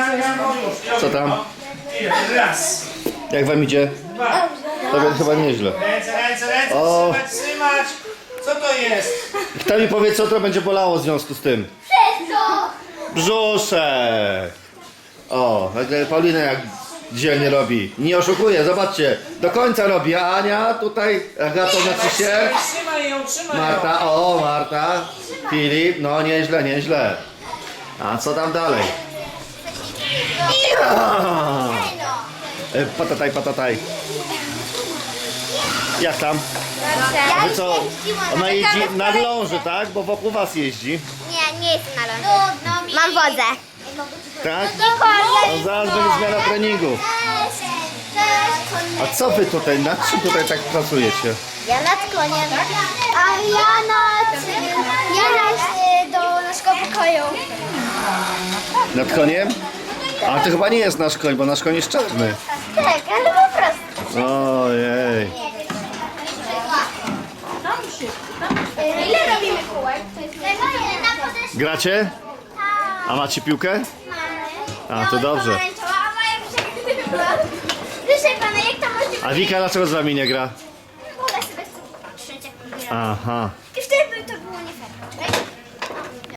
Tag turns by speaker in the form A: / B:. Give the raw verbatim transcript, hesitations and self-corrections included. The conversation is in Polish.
A: Co tam?
B: Raz.
A: Jak wam idzie?
B: Dwa.
A: To chyba nieźle.
B: Ręce, ręce, ręce,
A: O.
B: trzymać, trzymać. Co to jest?
A: Kto mi powie, co to będzie bolało w związku z tym? Brzuszek! O, nagle Paulina jak dzielnie robi. Nie oszukuje, zobaczcie. Do końca robi, a Ania tutaj, Agato znaczy się.
B: Trzymaj ją, trzymaj ją.
A: Marta, o Marta. Filip, no nieźle, nieźle. A co tam dalej? Ja! E, Patataj, patataj. Jak tam? A wy co? Ona jeździ na ląży, tak? Bo wokół was jeździ.
C: Nie, nie jestem na lądzie. Mam wodę.
A: Tak? No zaraz będzie zmiana treningu. A co wy tutaj, nad czym tutaj tak pracujecie?
C: Ja nad koniem. A ja nad... Ja nad do naszego pokoju.
A: Nad koniem? A to chyba nie jest nasz koń, bo nasz koń jest czarny.
C: Tak, ale po prostu.
A: Ojej.
C: Ile robimy kółek?
A: Gracie? A macie piłkę? A, to dobrze.
C: Proszę pana, jak to może...
A: A Wika dlaczego z wami nie gra?
C: Mogę sobie trzeć jak
A: Aha.